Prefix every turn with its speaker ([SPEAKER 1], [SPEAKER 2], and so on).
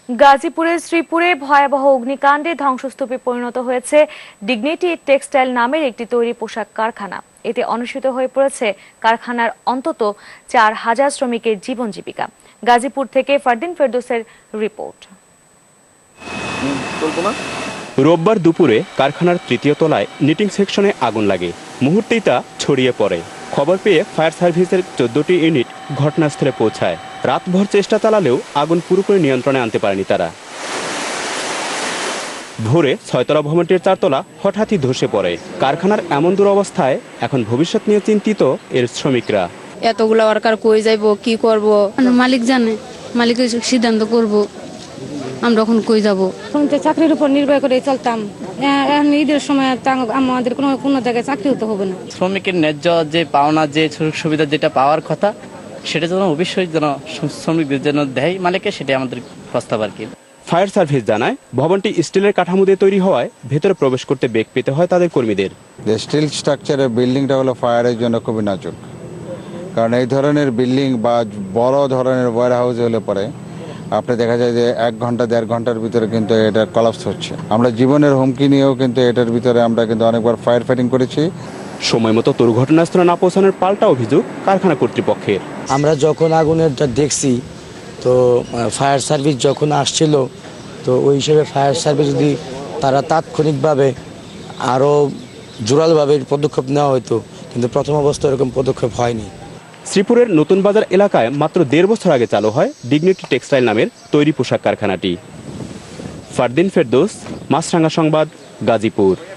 [SPEAKER 1] গাজীপুরের শ্রীপুরে ভয়াবহ অগ্নিকাণ্ডে ধ্বংসস্তূপে পরিণত হয়েছে ডিগনিটি টেক্সটাইল নামের একটি তৈরি পোশাক কারখানা। এতে অনুষ্ঠিত হয়ে পড়েছে কারখানার অন্তত ৪,০০০ শ্রমিকের জীবন জীবিকা। গাজীপুর থেকে ফারদিন ফেরদৌসের রিপোর্ট।
[SPEAKER 2] রোববার দুপুরে কারখানার তৃতীয় তলায় নিটিং সেকশনে আগুন লাগে। মুহূর্তেই তা ছড়িয়ে পড়ে। খবর পেয়ে ফায়ার সার্ভিসের ১৪টি ইউনিট ঘটনাস্থলে পৌঁছায়। রাতভর চেষ্টা চালালেও আগুন পুরোপুরি নিয়ন্ত্রণে আনতে পারেনি তারা। ভোরে ৬তলা ভবনটির ৪তলা হঠাৎই ধসে পড়ে। কারখানার এমন দুরবস্থায় এখন ভবিষ্যৎ নিয়ে চিন্তিত এর শ্রমিকরা।
[SPEAKER 3] এতগুলা ওয়ার্কার কই যাইব, কি করব, মালিক জানে, মালিক সিদ্ধান্ত করব, আমরা এখন কই যাব।
[SPEAKER 4] চাকরির উপর নির্ভর করে চলতাম, ঈদের সময় আমাদের কোনো জায়গায় চাকরি হতে হবে না।
[SPEAKER 5] শ্রমিকের ন্যায্য যে পাওনা, যে সুযোগ সুবিধা যেটা পাওয়ার কথা, সেটা যেন অবশ্যই যেন শ্রমিকদের জন্য দেয় মালিকে, সেটাই আমাদের প্রস্তাব আর কি।
[SPEAKER 2] ফায়ার সার্ভিস জানায়, ভবনটি স্টিলের কাঠামো দিয়ে তৈরি হওয়ায় ভেতরে প্রবেশ করতে বেগ পেতে হয় তাদের কর্মীদের।
[SPEAKER 6] স্টিল স্ট্রাকচারের বিল্ডিংটা হলো ফায়ারের জন্য খুবই নাজুক, কারণ এই ধরনের বিল্ডিং বা বড় ধরনের ওয়্যার হাউস হলে পরে আপনি দেখা যায় যে ১ ঘন্টা ১.৫ ঘন্টার ভিতরে কিন্তু এটা কলাপস হচ্ছে। আমরা জীবনের হুমকি নিয়েও কিন্তু এটার ভিতরে আমরা কিন্তু অনেকবার ফায়ার ফাইটিং করেছি।
[SPEAKER 2] সময় মতো দুর্ঘটনাস্থলে না পৌঁছানোর পাল্টা অভিযোগ কারখানা কর্তৃপক্ষের।
[SPEAKER 7] আমরা যখন আগুনেরটা দেখছি, তো ফায়ার সার্ভিস যখন আসছিল, তো ওই হিসেবে ফায়ার সার্ভিস যদি তারা তাৎক্ষণিকভাবে আরও জোরালভাবে পদক্ষেপ নেওয়া হতো, কিন্তু প্রথম অবস্থায় এরকম পদক্ষেপ হয়নি।
[SPEAKER 2] শ্রীপুরের নতুন বাজার এলাকায় মাত্র ১.৫ বছর আগে চালু হয় ডিগনিটি টেক্সটাইল নামের তৈরি পোশাক কারখানাটি। ফারদিন ফেরদৌস, মাছরাঙা সংবাদ, গাজীপুর।